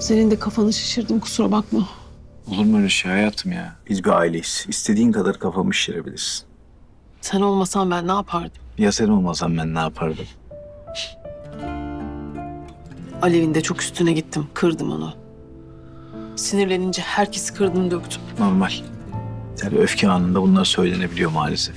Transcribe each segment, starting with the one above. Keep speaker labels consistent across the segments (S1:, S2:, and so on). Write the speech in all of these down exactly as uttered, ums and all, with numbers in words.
S1: Senin de kafanı şişirdim, kusura bakma.
S2: Olur mu öyle şey hayatım ya?
S3: Biz bir aileyiz. İstediğin kadar kafamı şişirebilirsin.
S1: Sen olmasan ben ne yapardım?
S2: Ya sen olmasan ben ne yapardım?
S1: Alev'in de çok üstüne gittim, kırdım onu. Sinirlenince herkesi kırdım, döktüm.
S2: Normal. Yani öfke anında bunlar söylenebiliyor maalesef.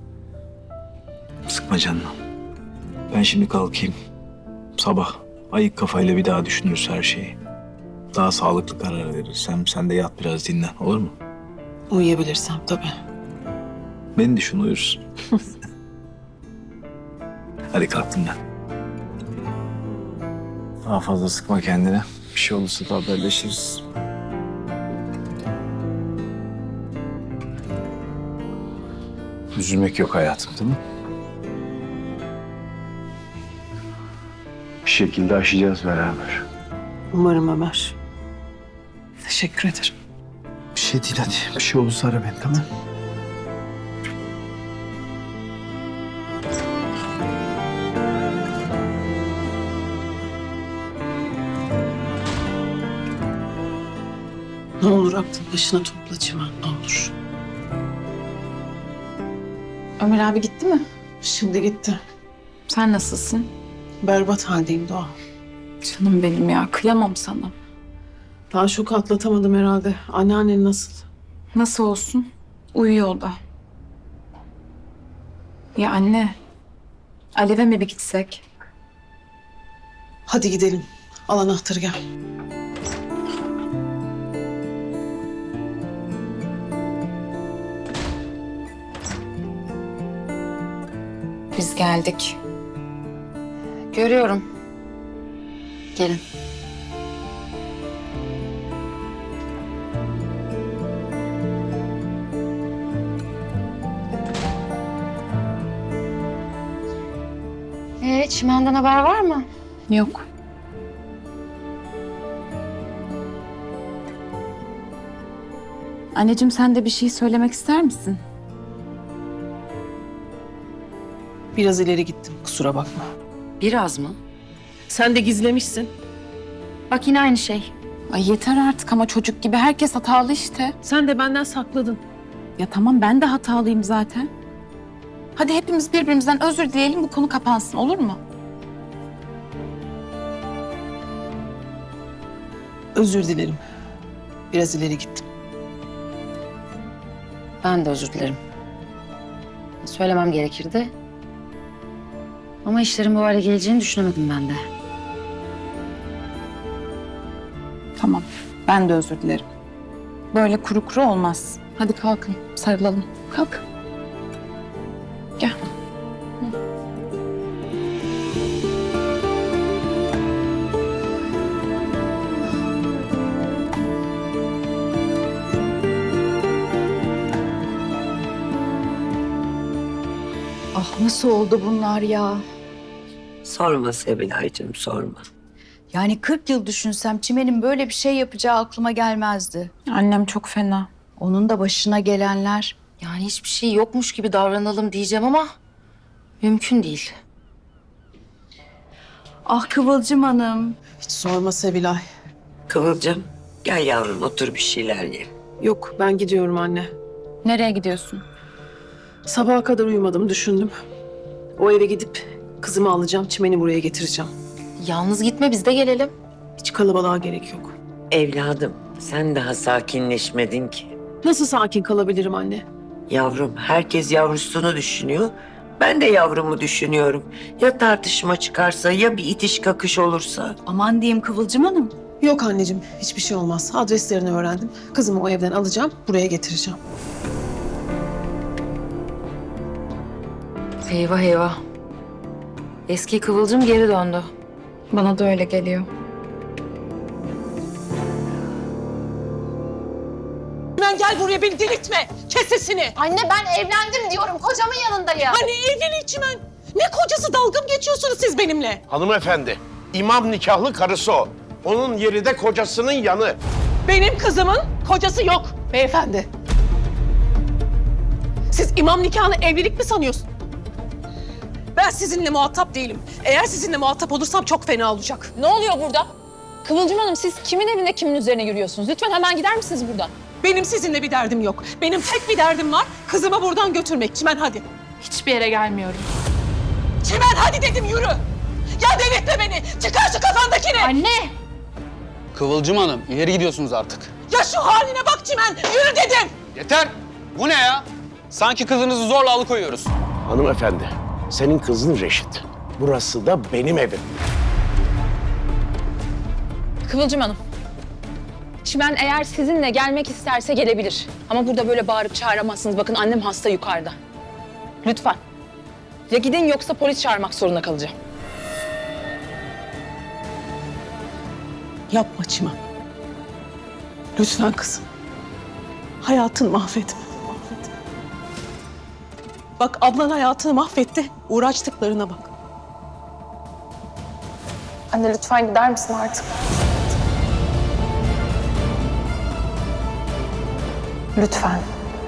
S2: Sıkma canını. Ben şimdi kalkayım. Sabah ayık kafayla bir daha düşünürüz her şeyi. Daha sağlıklı karar veririz. Hem sen de yat biraz dinlen, olur mu?
S1: Uyuyabilirsem tabii.
S2: Beni düşün, uyursun. Hadi kalk dinlen. Daha fazla sıkma kendine. Bir şey olursa da haberleşiriz. Üzülmek yok hayatım, değil mi? Bir şekilde aşacağız beraber.
S1: Umarım Ömer. Teşekkür ederim.
S2: Bir şey değil hadi. Bir şey olursa ara beni, tamam?
S1: Ne olur aklın başına topla Çimen, ne olur.
S4: Ömer abi gitti mi?
S1: Şimdi gitti.
S4: Sen nasılsın?
S1: Berbat haldeyim Doğa.
S4: Canım benim ya, kıyamam sana.
S1: Daha şoku atlatamadım herhalde. Anneannen nasıl?
S4: Nasıl olsun? Uyuyor o da. Ya anne, Alev'e mi bir gitsek?
S1: Hadi gidelim. Al anahtarı gel.
S4: Biz geldik. Görüyorum. Gelin.
S5: Ee, Çimen'den haber var mı?
S4: Yok. Anneciğim, sen de bir şey söylemek ister misin?
S1: Biraz ileri gittim, kusura bakma.
S5: Biraz mı?
S1: Sen de gizlemişsin.
S5: Bak yine aynı şey.
S4: Ay yeter artık ama çocuk gibi herkes hatalı işte.
S1: Sen de benden sakladın.
S4: Ya tamam, ben de hatalıyım zaten. Hadi hepimiz birbirimizden özür dileyelim, bu konu kapansın, olur mu?
S1: Özür dilerim. Biraz ileri gittim.
S5: Ben de özür dilerim. Söylemem gerekirdi. Ama işlerin bu hale geleceğini düşünemedim ben de.
S4: Tamam, ben de özür dilerim. Böyle kuru kuru olmaz. Hadi kalkın, sarılalım. Kalk. Gel.
S6: Ah nasıl oldu bunlar ya?
S7: Sorma Sevilay'cığım, sorma.
S6: Yani kırk yıl düşünsem Çimen'in böyle bir şey yapacağı aklıma gelmezdi.
S4: Annem çok fena.
S6: Onun da başına gelenler.
S5: Yani hiçbir şey yokmuş gibi davranalım diyeceğim ama mümkün değil.
S6: Ah Kıvılcım Hanım.
S1: Hiç sorma Sevilay.
S7: Kıvılcım, gel yavrum otur bir şeyler ye.
S1: Yok, ben gidiyorum anne.
S4: Nereye gidiyorsun?
S1: Sabaha kadar uyumadım, düşündüm. O eve gidip kızımı alacağım, Çimen'i buraya getireceğim.
S5: Yalnız gitme, biz de gelelim.
S1: Hiç kalabalığa gerek yok.
S7: Evladım, sen daha sakinleşmedin ki.
S1: Nasıl sakin kalabilirim anne?
S7: Yavrum, herkes yavrusunu düşünüyor. Ben de yavrumu düşünüyorum. Ya tartışma çıkarsa, ya bir itiş kakış olursa?
S6: Aman diyeyim Kıvılcım Hanım.
S1: Yok anneciğim, hiçbir şey olmaz. Adreslerini öğrendim. Kızımı o evden alacağım, buraya getireceğim.
S5: Eyvah eyvah. Eski Kıvılcım geri döndü.
S4: Bana da öyle geliyor.
S1: Ben gel buraya, beni delirtme. Kes sesini.
S8: Anne ben evlendim diyorum. Kocamın yanındayım.
S1: Anne evliliği Çimen. Ne kocası, dalga mı geçiyorsunuz siz benimle?
S9: Hanımefendi, imam nikahlı karısı o. Onun yeri de kocasının yanı.
S1: Benim kızımın kocası yok beyefendi. Siz imam nikahını evlilik mi sanıyorsun? Ben sizinle muhatap değilim. Eğer sizinle muhatap olursam çok fena olacak.
S8: Ne oluyor burada?
S10: Kıvılcım Hanım siz kimin evinde kimin üzerine yürüyorsunuz? Lütfen hemen gider misiniz buradan?
S1: Benim sizinle bir derdim yok. Benim tek bir derdim var. Kızımı buradan götürmek. Çimen hadi.
S10: Hiçbir yere gelmiyorum.
S1: Çimen hadi dedim yürü. Ya delirtme beni. Çıkar şu kafandakini.
S10: Anne!
S11: Kıvılcım Hanım, ileri gidiyorsunuz artık.
S1: Ya şu haline bak Çimen. Yürü dedim.
S11: Yeter! Bu ne ya? Sanki kızınızı zorla alıkoyuyoruz.
S9: Hanımefendi, senin kızın Reşit. Burası da benim evim.
S10: Kıvılcım Hanım. Çimen eğer sizinle gelmek isterse gelebilir. Ama burada böyle bağırıp çağıramazsınız. Bakın annem hasta yukarıda. Lütfen. Ya gidin yoksa polis çağırmak zorunda kalacağım.
S1: Yapma Çimen. Lütfen kızım. Hayatını mahvetme. mahvetme. Bak ablan hayatını mahvetti. Uğraştıklarına bak.
S10: Anne lütfen gider misin artık? Lütfen.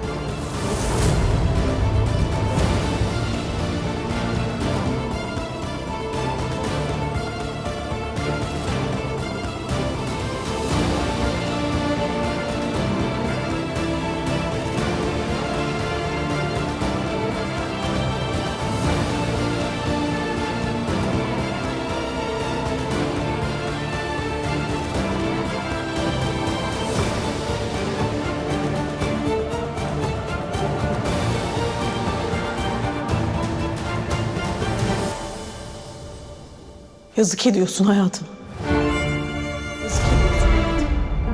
S1: Yazık ediyorsun hayatım. Yazık ediyorsun.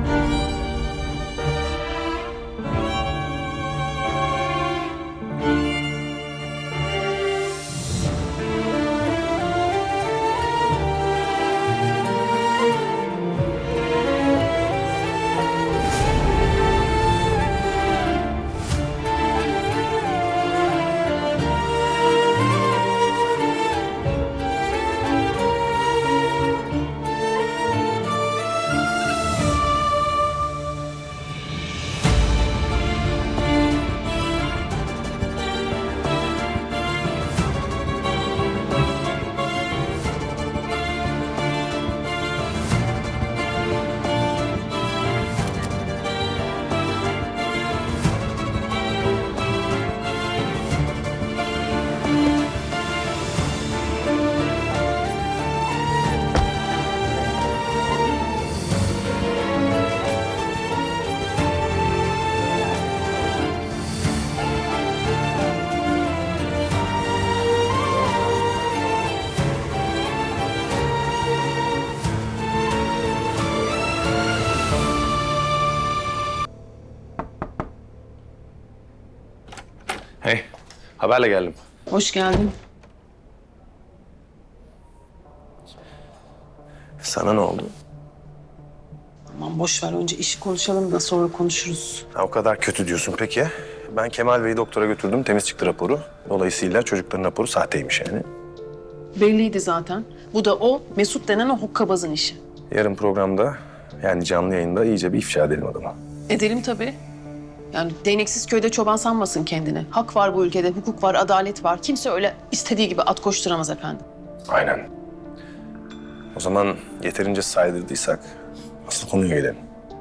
S12: Hey, haberle geldim.
S1: Hoş geldin.
S12: Sana ne oldu?
S1: Aman boş ver önce işi konuşalım da sonra konuşuruz.
S12: Ha, o kadar kötü diyorsun peki. Ben Kemal Bey'i doktora götürdüm, temiz çıktı raporu. Dolayısıyla çocukların raporu sahteymiş yani.
S1: Belliydi zaten. Bu da o Mesut denen o hokkabazın işi.
S12: Yarın programda, yani canlı yayında iyice bir ifşa edelim adamı.
S1: Edelim tabii. Yani değneksiz köyde çoban sanmasın kendini. Hak var bu ülkede, hukuk var, adalet var. Kimse öyle istediği gibi at koşturamaz efendim.
S12: Aynen. O zaman yeterince saydırdıysak asıl konuya gelelim.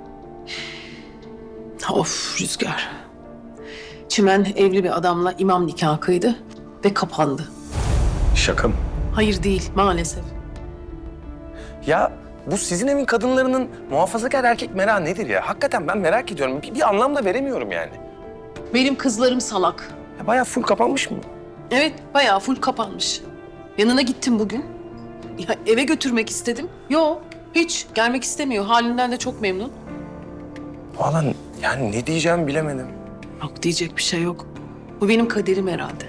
S1: Of Rüzgar. Çimen evli bir adamla imam nikahı kıydı ve kapandı.
S12: Şaka mı?
S1: Hayır değil maalesef.
S12: Ya bu sizin evin kadınlarının muhafazakar erkek merakı nedir ya? Hakikaten ben merak ediyorum. Bir, bir anlam da veremiyorum yani.
S1: Benim kızlarım salak.
S12: Ya bayağı full kapanmış mı?
S1: Evet bayağı full kapanmış. Yanına gittim bugün. Ya eve götürmek istedim. Yok hiç gelmek istemiyor. Halinden de çok memnun.
S12: Vallahi yani ne diyeceğimi bilemedim.
S1: Yok diyecek bir şey yok. Bu benim kaderim herhalde.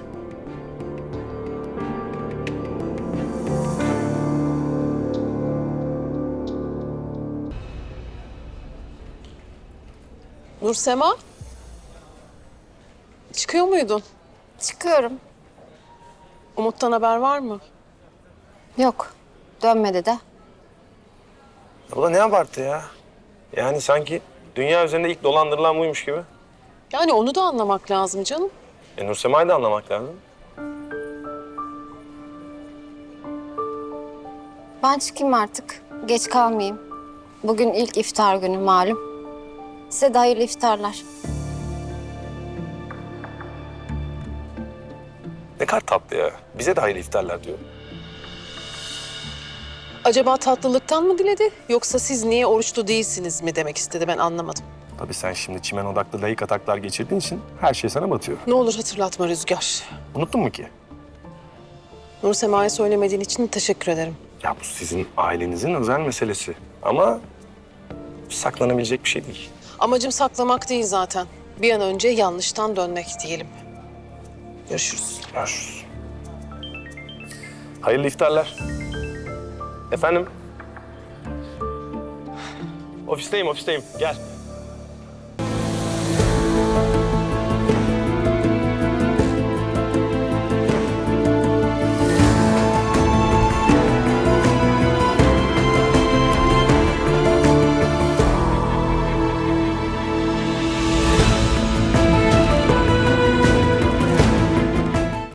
S1: Nursema. Çıkıyor muydun?
S8: Çıkıyorum.
S1: Umut'tan haber var mı?
S8: Yok. Dönmedi de.
S12: Abla ne abarttı ya? Yani sanki dünya üzerinde ilk dolandırılan buymuş gibi.
S1: Yani onu da anlamak lazım canım.
S12: E Nursema'yı da anlamak lazım.
S8: Ben çıkayım artık. Geç kalmayayım. Bugün ilk iftar günü malum. Size de hayırlı iftarlar.
S12: Ne kadar tatlı ya. Bize de hayırlı iftarlar diyor.
S1: Acaba tatlılıktan mı diledi yoksa siz niye oruçlu değilsiniz mi demek istedi, ben anlamadım.
S12: Tabii sen şimdi çimen odaklı layık ataklar geçirdiğin için her şey sana batıyor.
S1: Ne olur hatırlatma Rüzgar.
S12: Unuttun mu ki?
S1: Nur Sema'ya söylemediğin için teşekkür ederim.
S12: Ya bu sizin ailenizin özel meselesi. Ama saklanabilecek bir şey değil.
S1: Amacım saklamak değil zaten. Bir an önce yanlıştan dönmek diyelim. Görüşürüz.
S12: Görüşürüz. Hayırlı iftarlar. Efendim? Ofisteyim, ofisteyim. Gel.